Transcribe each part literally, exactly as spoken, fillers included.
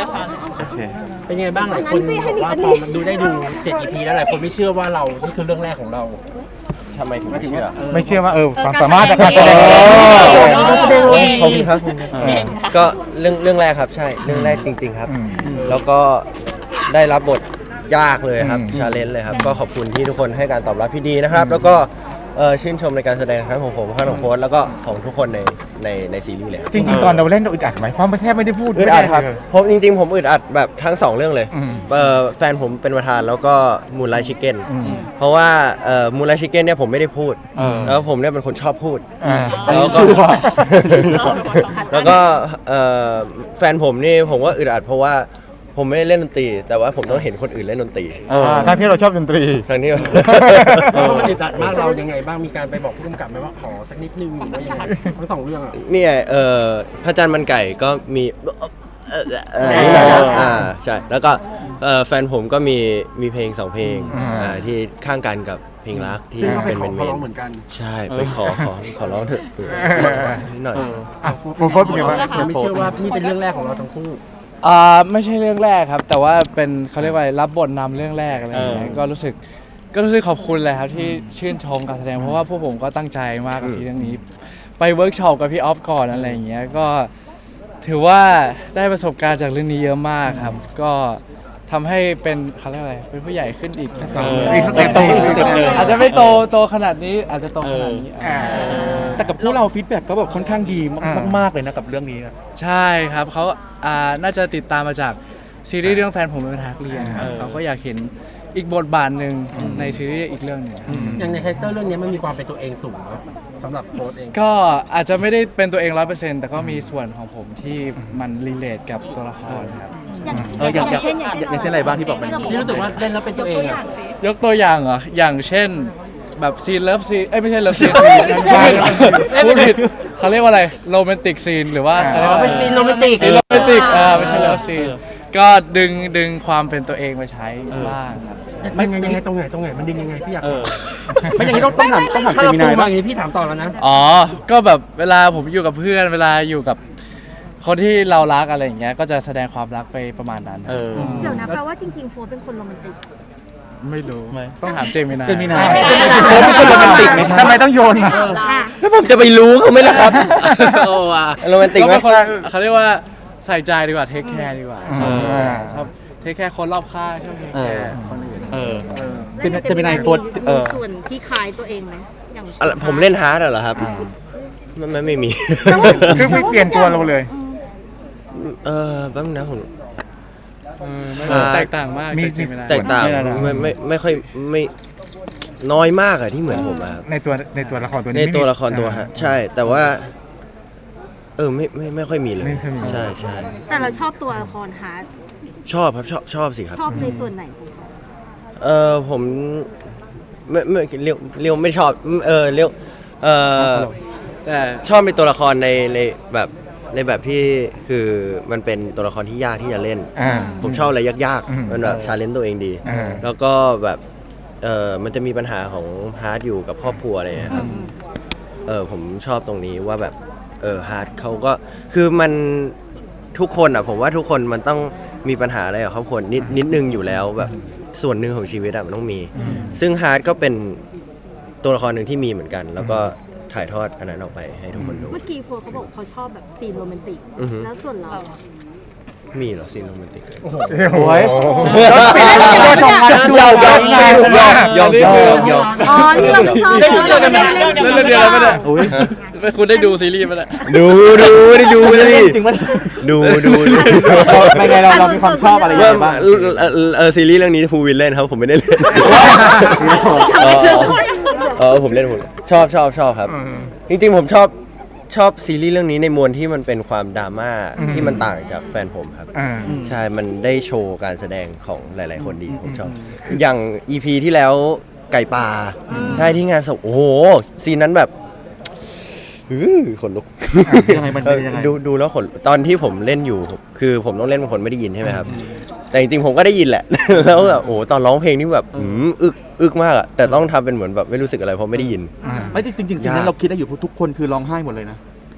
โอเคเป็นยังไงบ้างหลายคนบอกว่าพอมันดูได้ดูเจ็ด อี พี แล้วหลายคนไม่เชื่อว่าเรานี่คือเรื่องแรกของเราทำไมถึงไม่เชื่อไม่เชื่อว่าเออความสามารถในการแสดงขอบคุณครับก็เรื่องเรื่องแรกครับใช่เรื่องแรกจริงๆครับแล้วก็ได้รับบทยากเลยครับชาเลนจ์เลยครับก็ขอบคุณที่ทุกคนให้การตอบรับที่ดีนะครับแล้วก็ชื่นชมในการแสดงทั้งของผมทั้งของโค้ชแล้วก็ของทุกคนในในในซีรีส์เลยจริงๆตอนเราเล่นเราอึดอัดไหมเพราะมันแทบไม่ได้พูดอึดอัดครับผมจริงๆผมอึดอัดแบบทั้งสองเรื่องเลยแฟนผมเป็นประธานแล้วก็มูนไลท์ชิคเก้นเพราะว่ามูนไลท์ชิคเก้นเนี่ยผมไม่ได้พูดแล้วผมเนี่ยเป็นคนชอบพูดแล้วก็แล้วก็แฟนผมนี่ผมว่าอึดอัดเพราะว่าผมไม่ได้เล่นดนตรีแต่ว่าผมต้องเห็นคนอื่นเล่นดนตรีทั้งที่เราชอบดนตรีทั้งที่มันอึดอัดมากเรายังไงบ้างมีการไปบอกผู้กำกับไหมว่าขอสักนิดนึงหรือว่ายังไงทั้งสองเรื่องอ่ะนี่ไงเออพระจันทร์มันไก่ก็มีนี่แหละครับอ่าใช่แล้วก็แฟนผมก็มีมีเพลงสองเพลงอ่าที่ข้างกันกับเพลงรักที่เป็นเป็นเมนใช่ไปขอขอขอร้องเถอะนิดหน่อยโฟร์เป็นไงบ้างไม่เชื่อว่านี่เป็นเรื่องแรกของเราทั้งคู่อ่าไม่ใช่เรื่องแรกครับแต่ว่าเป็นเขาเรียกว่ารับบทนำเรื่องแรกอะไรอย่างเงี้ยก็รู้สึกก็รู้สึกขอบคุณเลยครับที่ชื่นชมการแสดงเพราะว่าพวกผมก็ตั้งใจมากกับซีรีส์เรื่องนี้ไปเวิร์กช็อปกับพี่ออฟก่อนอะไรอย่างเงี้ยก็ถือว่าได้ประสบการณ์จากเรื่องนี้เยอะมากครับก็ทำให้เป็นเขาเรียกอะไรเป็นผู้ใหญ่ขึ้นอีกสเต็ปอาจจะไม่โตโตขนาดนี้อาจจะโตขนาดนี้แต่กับพวกเราฟีดแบ็กก็แบบค่อนข้างดีมากๆเลยนะกับเรื่องนี้ใช่ครับเขาอ่าน่าจะติดตามมาจากซีรีส์เรื่องแฟนผมเป็นทักเรียนครับเขาก็อยากเห็นอีกบทบาทหนึ่งในซีรีส์อีกเรื่องนึงอย่างในคาแรคเตอร์เรื่องนี้มันมีความเป็นตัวเองสูงนะสำหรับโค้ชเองก็อาจจะไม่ได้เป็นตัวเองร้อยเปอร์เซ็นต์แต่ก็มีส่วนของผมที่มันรีเลทกับตัวละครครับเอออย่างเช่นอย่างเช่นอะไรบ้างที่บอกมันที่รู้สึกว่าเล่นแล้วเป็นตัวเองอ่ะยกตัวอย่างเหรออย่างเช่นแบบซีนเลิฟซีนเอ้ยไม่ใช่เลิฟซีนพูดผิดเขาเรียกว่าอะไรโรแมนติกซีนหรือว่าเป็นซีนโรแมนติกซีนโรแมนติกอ่าไม่ใช่เลิฟซีนก็ดึงดึงความเป็นตัวเองมาใช้บ้างครับมันยังไงตรงไหนตรงไหนมันดึงยังไงพี่อยากไม่อย่างนี้ต้องต้องถามต้องถามเจมินายบ้างอย่างนี้พี่ถามต่อแล้วนะอ๋อก็แบบเวลาผมอยู่กับเพื่อนเวลาอยู่กับคนที่เรารักอะไรอย่างเงี้ยก็จะแสดงความรักไปประมาณนั้นเดี๋ยวนะแปลว่าจริงๆโฟร์เป็นคนโรแมนติกไม่รู้ต้องถามเจมินาเจมินาโค้ชเป็นคนโรแมนติกไหมทำไมต้องโยนแล้วผมจะไปรู้เขาไหมล่ะครับโอ้ว่ะโรแมนติกไหมเขาเรียกว่าใส่ใจดีกว่าเทคแคร์ดีกว่าชอบเทคแคร์คนรอบข้างชอบเทคแคร์คนอื่นเออเจมินายโฟร์ส่วนที่คล้ายตัวเองไหมอย่างผมเล่นฮาร์ดเหรอครับมันไม่มีคือไม่เปลี่ยนตัวเราเลยเออแป๊บนึงนะผมแตกต่างมากแตกต่างไม่ไม่ไม่ค่อยไม่น้อยมากอะที่เหมือนผมอะในตัวในตัวละครตัวนี้ในตัวละครตัวฮะใช่แต่ว่าเออไม่ไม่ไม่ค่อยมีเลยใช่ใช่แต่เราชอบตัวละครฮาร์ดชอบครับชอบชอบสิครับชอบในส่วนไหนของเออผมไม่ไม่เรียวเรียวไม่ชอบเออเรียวเออแต่ชอบเป็นตัวละครในในแบบในแบบที่คือมันเป็นตัวละครที่ยากที่จะเล่นผมชอบอะไรยากๆมันแบบชาเลนจ์ตัวเองดีแล้วก็แบบเออมันจะมีปัญหาของฮาร์ดอยู่กับครอบครัวอะไรอย่างเงี้ยครับเออผมชอบตรงนี้ว่าแบบเออฮาร์ดเขาก็คือมันทุกคนอ่ะผมว่าทุกคนมันต้องมีปัญหาอะไรกับครอบครัวนิดนิดนึงอยู่แล้วแบบส่วนหนึ่งของชีวิตอะมันต้องมีซึ่งฮาร์ดก็เป็นตัวละครหนึ่งที่มีเหมือนกันแล้วก็ถ่ายทอดอันนั้นออกไปให้ทุกคนดูเมื่อกี้โฟร์เขาบอกเขาชอบแบบซีนโรแมนติกแล้วส่วนเรามีเหรอซีนโรแมนติกโอ้โหยอมยอมยอมยอมยอมยอมอ๋อนี่เราไม่ชอบเล่นเดียวกันไหมเล่นเดียวกันไหมเนี่ยคุณได้ดูซีรีส์ไหมเนี่ยดูดูได้ดูเลยจริงไหมดูดูไม่ไงเราเรามีความชอบอะไรบ้างเออซีรีส์เรื่องนี้ภูวินเล่นครับผมไม่ได้เล่นเออผมเล่นผมชอบชอบชอบครับจริงๆผมชอบชอบซีรีส์เรื่องนี้ในมวลที่มันเป็นความดราม่าที่มันต่างจากแฟนผมครับใช่มันได้โชว์การแสดงของหลายๆคนดีผมชอบอย่าง อี พี ที่แล้วไก่ป่าใช่ที่งานศพโอ้โหซีนนั้นแบบขนลุกดูดูแล้วขนตอนที่ผมเล่นอยู่คือผมต้องเล่นเป็นคนไม่ได้ยินใช่ไหมครับแต่จริงๆผมก็ได้ยินแหละแล้วแบบโอ้ตอนร้องเพลงนี่แบบอึกอึกมากอะแต่ต้องทำเป็นเหมือนแบบไม่รู้สึกอะไรเพราะไม่ได้ยินไม่จริงๆสิ่งนั้นเราคิดได้อยู่ทุกคนคือร้องไห้หมดเลยนะ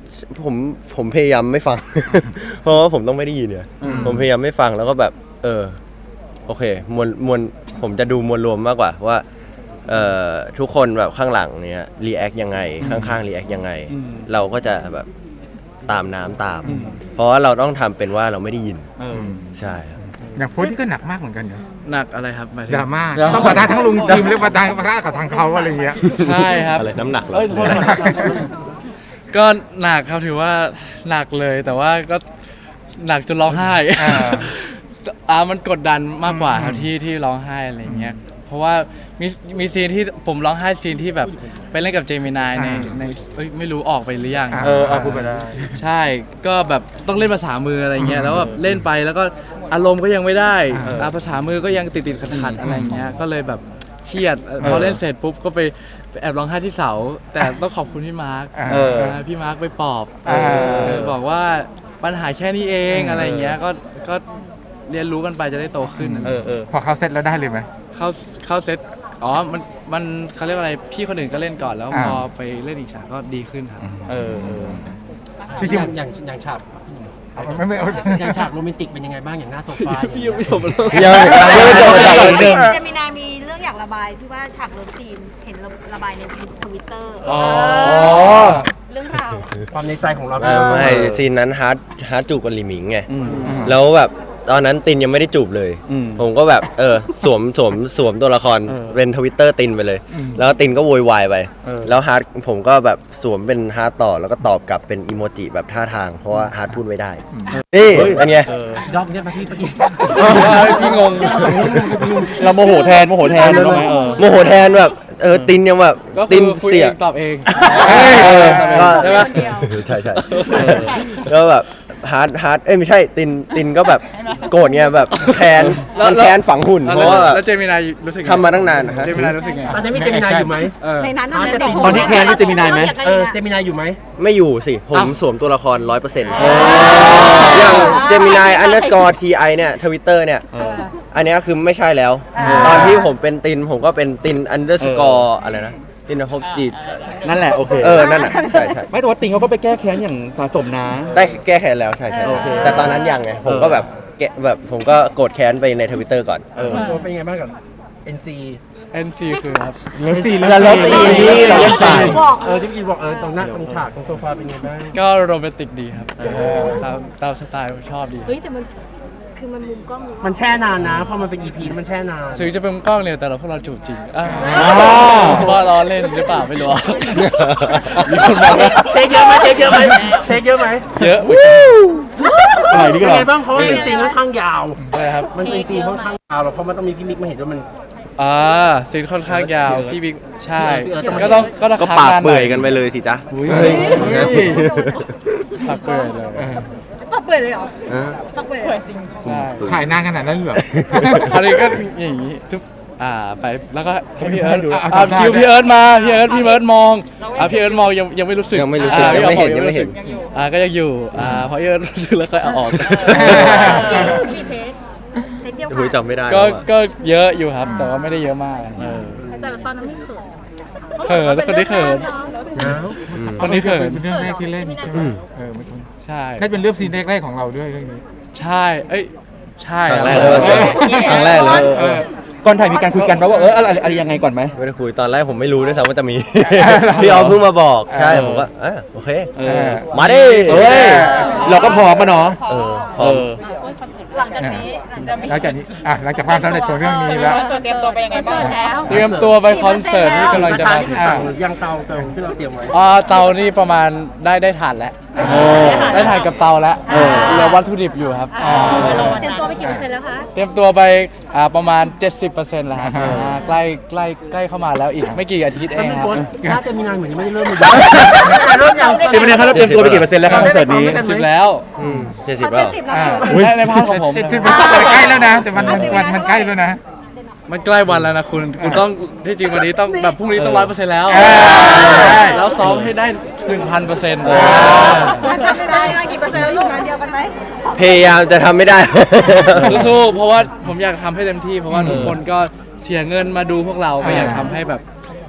ผมผมพยายามไม่ฟัง เพราะว่าผมต้องไม่ได้ยินเนี่ยผมพยายามไม่ฟังแล้วก็แบบ เออ โอเคมวลมวลผมจะดูมวลรวมมากกว่าว่าเอ่อทุกคนแบบข้างหลังเนี้ยรีแอคยังไงข้างๆรีแอคยังไง เราก็จะแบบตามน้ำตาม เพราะว่าเราต้องทำเป็นว่าเราไม่ได้ยินเออใช่ครับอย่างโพสต์ที่ก็หนักมากเหมือนกันเนาะหนักอะไรครับหมายถึงดราม่าต้องปะทะทั้งลุงจิมและปะทะปะทะกับทางเขาอะไรเงี้ยใช่ครับอะไรน้ำหนักเหรอเอ้ยโทษนะครับ ก็หนักครับถือว่าหนักเลย แต่ว่าก็หนักจนร้องไห้อ่าอ่ามันกดดันมากกว่าครับที่ที่ร้องไห้อะไรอย่างเงี้ยเพราะว่ามีมีซีนที่ผมร้องไห้ซีนที่แบบไปเล่นกับเจมินายในในเอ้ยไม่รู้ออกไปหรือยังเออเอาพูดไปได้ใช่ก็แบบต้องเล่นภาษามืออะไรเงี้ยแล้วแบบเล่นไปแล้วก็อารมณ์ก็ยังไม่ได้อ่าภาษามือก็ยังติดติดขัดขัดๆอะไรเงี้ยก็เลยแบบเครียดพอเล่นเสร็จปุ๊บก็ไปไปแอบร้องไห้ที่เสา แต่ต้องขอบคุณพี่มาร์คอ่าเออนะพี่มาร์คไปปลอบอ่าเออบอกว่าปัญหาแค่นี้เองอะไรเงี้ยก็ก็เรียนรู้กันไปจะได้โตขึ้นเออเออพอเขาเสร็จแล้วได้เลยไหมเข้าเข้าเซตอ๋อมันมันเขาเรียกว่าอะไรพี่คนอื่นก็เล่นก่อนแล้วอ่าพอไปเล่นอีกฉากก็ดีขึ้นครับเออเออจริงอย่างอย่างอย่างฉากไม่ไม่อย่างฉากโรแมนติกเป็นยังไงบ้างอย่างหน้าโซฟาอย่างเงี้ยยังยังไม่จบจากเรื่องเดิมเจมินามีเรื่องอยากระบายที่ว่าฉากเลิฟซีนเห็นระบายในทวิตเตอร์อ๋อเรื่องราวความในใจของเราไม่ไม่ซีนนั้นฮาร์ดฮาร์ดจูบกับลิหมิงไงอืมแล้วแบบตอนนั้นตินยังไม่ได้จูบเลยอืมผมก็แบบเออสวมสวมสวมตัวละครเออเป็นทวิตเตอร์ตินไปเลย แล้วตินก็โวยวายไปเออแล้วฮาร์ดผมก็แบบสวมเป็นฮาร์ดต่อแล้วก็ตอบกลับเป็นอีโมจิแบบท่าทาง เพราะว่าฮาร์ดพูดไม่ได้ นี่เป็นไงเออรอบเนี้ยมาพี่เมื่อกี้พี่งงเราโมโหแทนโมโหแทนเลยไหมเออโมโหแทนแบบเออตินยังแบบก็ติคืนอคุยเสีเอย งตอบเองเออก็ใช่ไหมใช่ใช่แล้วแบบฮาร์ดฮาร์ดเอ้ยไม่ใช่ตินตินก็แบบโกรธไงแบบแค้นมันแค้นฝังหุ่นแล้วเพราะว่าแบบแล้วเจมินายรู้สึกไงทำมาตั้งนานนะฮะเจมินายรู้สึกไงตอนนี้มีเจมินายอยู่ไหมเออในนั้นน่ะตอนที่แคนนี่เจมินายไหมเออเจมินายอยู่ไหมไม่อยู่สิ ผมอ้าวสวมตัวละครร้อยเปอร์เซ็นต์อย่างเจมินายอันเดอร์สกอร์ทีไอเนี่ยทวิตเตอร์เนี่ย อันเนี้ยคือไม่ใช่แล้ว ตอนที่ผมเป็นติน ผมก็เป็นตินอันเดอร์สกอร์อะไรนะ ตินภพจีบนั่นแหละโอเคเออ นั่นน่ะ ใช่ใช่ไม่แต่ว่าติงเขาก็ไปแก้แค้นอย่างสะสมนะได้แก้แค้นแล้วใช่ใช่โอใช่เคแต่ตอนนั้นยังไง ผมก็แบบแกะแบบผมก็โกรธแค้นไปในทวิตเตอร์ก่อนเออเป็นยังไงบ้างกับ เอ็น ซีเอ็น ซี คือครับเลิฟซีนเลิฟซีนนี่เราเล่นสายบอกเออที่พี่บอกเออตรงหน้าตรงฉากตรงโซฟาเป็นยังไงบ้างก็โรแมนติกดีครับตามตามสไตล์ผมชอบดีเฮ้ยแต่มันคือมันมุมกล้องมันแช่นานนะเพราะมันเป็น อี พี มันแช่นานถึงจะเป็นกล้องเนี่ยแต่เราพวกเราจูบจริงอ่าอ๋อว่าล้อเล่นหรือเปล่าไม่รู้ มีคนบอกว่าเทคเยอะไหมเทคเยอะไหมเทคเยอะไหมเยอะอะไรนี่เป็ก็นเหรอไงบ้างเพราะมันเป็นซีนค่อนข้างยาวอะไรครับมันเป็นซีนค่อนข้างยาวแล้วเพราะมันต้องมีพี่มิกมาเห็นว่ามันอ่าซีนค่อนข้างยาวพี่บิ๊กใช่พี่เอิร์ธต้องก็ต้องก็ต้องก็ค้งปากนหเปื่อยกันไปเลยสิจ๊ะเฮ้ยปากเปื่อยเลยปักเปิดเลยเหรอเออปักเปิดเลยใช่ถ่ายนานขนาดนั้นเหรออันนี้ก็อย่างนี้ทุกอ่าไปแล้วก็ให้พี่เอิร์ธเอาเอาอ่าทำท่าคิวด้วยพี่เอิร์ธมาพี่เอิร์ธพี่เอิร์ธมองอ่าพี่เอิร์ธมองยังยังไม่รู้สึกยังไม่รู้สึกอ่ายังไม่เห็นพี่ยังไม่เห็นรู้สึกอ่าก็ยังอยู่อ่าพอพี่เอิร์ธรู้สึกแล้วค่อยเอาออกมีเทคเทคเดียวคุยค่ะจำไม่ได้ก็แล้วอะก็เยอะอยู่ครับ แต่ว่าไม่ได้เยอะมากเออแต่ตอนนั้นไม่เขินเขินคนที่เขินอืมคนที่เขินเป็นเรื่องแรกที่เล่นใช่ไหมเออไม่คุ้นใช่ได้เป็นเรื่องซีนแรกๆของเราด้วยเรื่องนี้ใช่ เอ้ย ใช่ครั้งแรกเอเลยอครั้งแรกเลยเออก่อนถ่ายมีการคุยกันปะว่าเอออะไรอะไรยังไงก่อนไหมไม่ได้คุยตอนแรกผมไม่รู้ด้วยซ้ำว่าจะมี พี่ออฟเพิ่งมาบอกใช่ผมก็เออโอเคเออมาดิเอ้ยเราก็พร้อมมาเนาะเออพเอร้อมอหลังจากนี้หลังจากนี้หลังจากนี้อ่ะหลังจากความสำเร็จของเรื่องนี้แล้วเตรียมตัวไปยังไงบ้างแล้วเตรียมตัวไปคอนเสิร์ตที่กำลังจะมาถึงอ่ายังเตาเตาที่เราเตรียมไว้อ่าเตานี่ประมาณได้ได้ถ่านแล้วโอ้ได้ถ่านกับเตาแล้วเออเหลือวัตถุดิบอยู่ครับเตรียมตัวไปกี่เปอร์เซ็นต์แล้วคะเตรียมตัวไปอ่าประมาณ เจ็ดสิบเปอร์เซ็นต์ แล้วครับอ่าใกล้ใกล้ใกล้เข้ามาแล้วอีกไม่กี่อาทิตย์เอก็งมีครับคนน่าจะมีนานเหมือนยังไม่ได้เริ่มเลยเริ่มยังเจมินายครับเราเตรียมตัวไปกี่เปอร์เซ็นต์แล้วครับคอนเสิร์ตนี้สิบแล้วอืมเจ็ดสิบแล้วอ่าในในพาร์ทของผมแต่แต่แต่ใกล้แล้วนะ แต่มันมันมันมันใกล้แล้วนะมันใกล้วันแล้วนะคุณ คุณต้องที่จริงวันนี้ต้องแบบพรุ่งนี้ต้องร้อยเปอร์เซ็นต์แล้วเออแล้วซ้อมให้ได้หนึ่งพันเปอร์เซ็นต์มันจะได้กี่เปอร์เซ็นต์แล้วลูกเดียวกันไหมพยายามจะทำไม่ได้สู้ๆเพราะว่าผมอยากทำให้เต็มที่ เพราะว่าทุกคนก็เสียเงินมาดูพวกเราก็อยากทำให้แบบ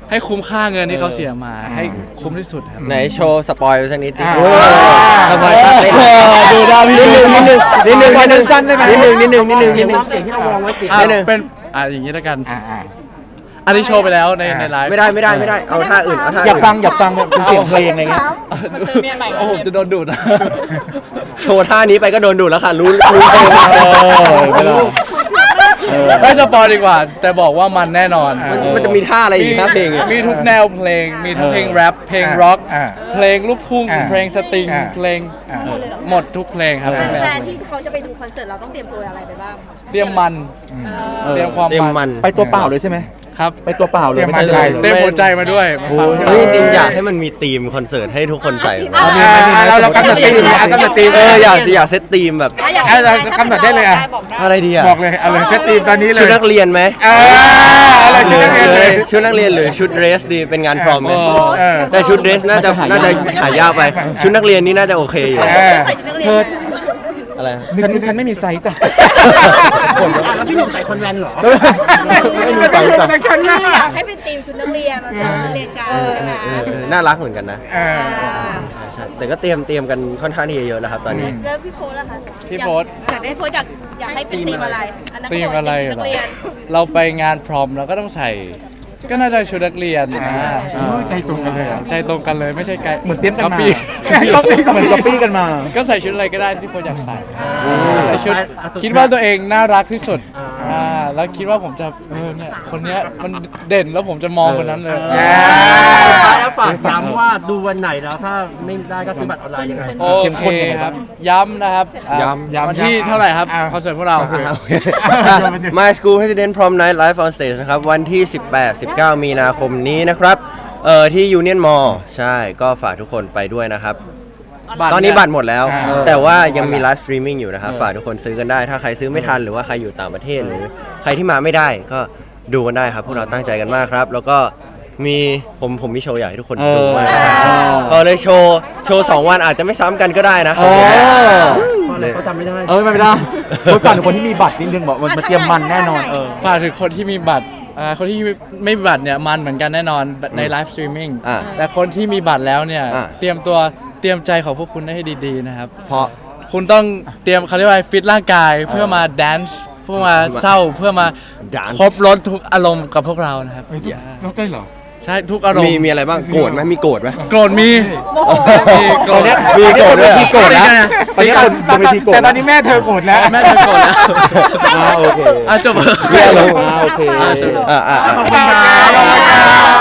ให้คุ้มค่าเงินที่เขาเสียมาให้คุ้มที่สุดครับไหนโชว์สปอยล์สักนิดดิอ่าทำไมท่าเต้นดูดาวพี่นิดนึงนิดนึงนิดนึงนิดนึงสั้นๆได้ไหมนิดนึงนิดนึงนิดนึงเสีนิยดงนึงร้องเสียงที่เราวางไว้เสียงอ่ะนิดนึงเป็นอ่ะอย่างนี้แล้วกันอ่าอ่าอันนี้โชว์ไปแล้วในในไลฟ์ไม่ได้ไม่ได้ไม่ได้เอาท่าอื่นเอาท่าอยากอื่นฟังอยากฟังเป็นเสียงเพลงอะไรเงี้ยโอ้โหจะโดนดูดนะโชว์ท่านี้ไปก็โดนดูดแล้วค่ะรู้รู้เพลงเออไม่ได้ไม่สปอยดีกว่า แต่บอกว่ามันแน่นอนมันมันจะมีท่าอะไรอีกท่าเพลงอ่ะมีทุกแนวเพลง มีทั้งเพลงแรปเพลงร็อกอ่าเพลงลูกทุ่งอ่าเพลงสตริงอ่าเพลงหมดทุกเพลงครับแฟนๆที่เขาจะไปดูคอนเสิร์ตเราต้องเตรียมตัวอะไรไปบ้างเตรียมมัน เตรียมความเต็มมัมัน นไปตัวเปล่าเลยใช่ไหมครับไปตัวเปล่าเลยเตรียมไม่มาได้ใจเลยเตรียมหัวใจมาด้วยมาฟังเฮ้ยจริงๆอยากให้มันมีธีมคอนเสิร์ตให้ทุกคนใส่อ่าอ่าเราเรากำหนดตีมเลยอ่ะกำหนดตีมเอออยากสิอยากเซตธีมแบบอ่ะอยากอ่ะเรากำหนดได้เลยอ่ะบอกได้อะไรดีอ่ะบอกเลยเอาเลยเซตตีมตอนนี้เลยชุดนักเรียนไหมเออเอาเลยชุดนักเรียนเลยชุดนักเรียนหรือชุดเดรสดีเป็นงานพรอมไหมเออแต่ชุดเดรสน่าจะน่าจะหายากไป ชุดนักเรียนนี่น่าจะโอเคอยู่เออใส่ชุดนักเรียนอะไรฉันฉันไม่มีไซส์จ้ะอ่ะแล้วพี่หนุ่มใส่คอนแวนเหรอไม่รู้แต่รู้แต่กันนะคืออยากให้เป็นทีมชุดนักเรียนมาสอนนักเรียนกันเออเออเออเออน่ารักเหมือนกันนะเออใช่แต่ก็เตรียมเตรียมกันค่อนข้างที่จะเยอะแล้วครับตอนนี้แล้วพี่โพสล่ะคะพี่โพสอยากได้โพสอยากอยากให้เป็นทีมอะไรนนั้นตีมอะไรนัเหรกอเรียนเราไปงานพรอมเราก็ต้องใส่ ก็น่าจะชุดนักเรียนนะโอ้ยใจตรงกันเลยอ่ะใจตรงกันเลยไม่ใช่ไกลเหมือนเตรียมกันมาปี้ก๊อปปี้เหมือนก๊อปปี้กันมาก็ใส่ชุดอะไรก็ได้ที่โพสอยากใส่อ่าใส่ชุดอ่ะสุดท้ายคิดว่าตัวเองน่ารักที่สุดอ่าอ่าแล้วคิดว่าผมจะเออเนี่ยคนเนี้ยมันเด่นแล้วผมจะมองคนนั้นเลยอ่าสุดท้ายแล้วฝากย้ำว่าดูวันไหนแล้วถ้าไม่ได้ก็ซื้อบัตรออนไลน์ยังไงโอเคครับ ย้ำนะครับอ่าย้ำย้ำวันที่ย้ำเท่าไหร่ครับอ่าคอนเสิร์ตพวกเราอ่ะโอเค My School President Prom Night Live on Stage นะครับ วันที่ สิบแปด สิบเก้า มีนาคมนี้นะครับเอ่อที่ Union Mall ใช่ก็ฝากทุกคนไปด้วยนะครับ ตอนนี้บัตรหมดแล้วอ่าแต่ว่ายังมีไลฟ์สตรีมมิ่งอยู่นะครับ ฝากทุกคนซื้อกันได้ ถ้าใครซื้อไม่ทันหรือว่าใครอยู่ต่างประเทศหรือใครที่มาไม่ได้ก็ดูกันได้ครับ พวกเราตั้งใจกันมากครับ แล้วก็มีผมผมมีโชว์อยากให้ทุกคนดูมากพอเลยโชว์โชว์สองวันอาจจะไม่ซ้ำกันก็ได้นะเพราะอะไรเขาจำไม่ได้เออไม่ได้คนก่อนคนที่มีบัตรนิดนึงบอกมันมาเตรียมมันแน่นอนเออฝากถึงคนที่มีบัตรอ่าคนที่ไม่มีบัตรเนี่ยมันเหมือนกันแน่นอนในไลฟ์สตรีมมิ่งอ่าแต่คนที่มีบัตรแล้วเนี่ยอ่าเตรียมตัวเตรียมใจของพวกคุณให้ดีๆนะครับเพราะคุณต้องเตรียมเขาเรียกว่าฟิตร่างกายเพื่อมาแดนซ์เพื่อมาเศร้าเพื่อมา dance ครบรถทุกอารมณ์กับพวกเรานะครับต้องได้เหรอใช่ทุกอารมมีณ์มีอะไรบ้างโกรธไหมมีโกรธไหมโกรธมีมีโกรธมีโกรธด้วยเหรอมีโกรธนะตอนนี้คนบนเวทีโกรธแต่ตอนนี้แม่เธอโกรธแล้วแม่เธอโกรธแล้วอ่าโอเคอ่ะจบเรียกลงอ่าโอเคอ่ะจบอ่าอ่าอ่าขอบคุณครับ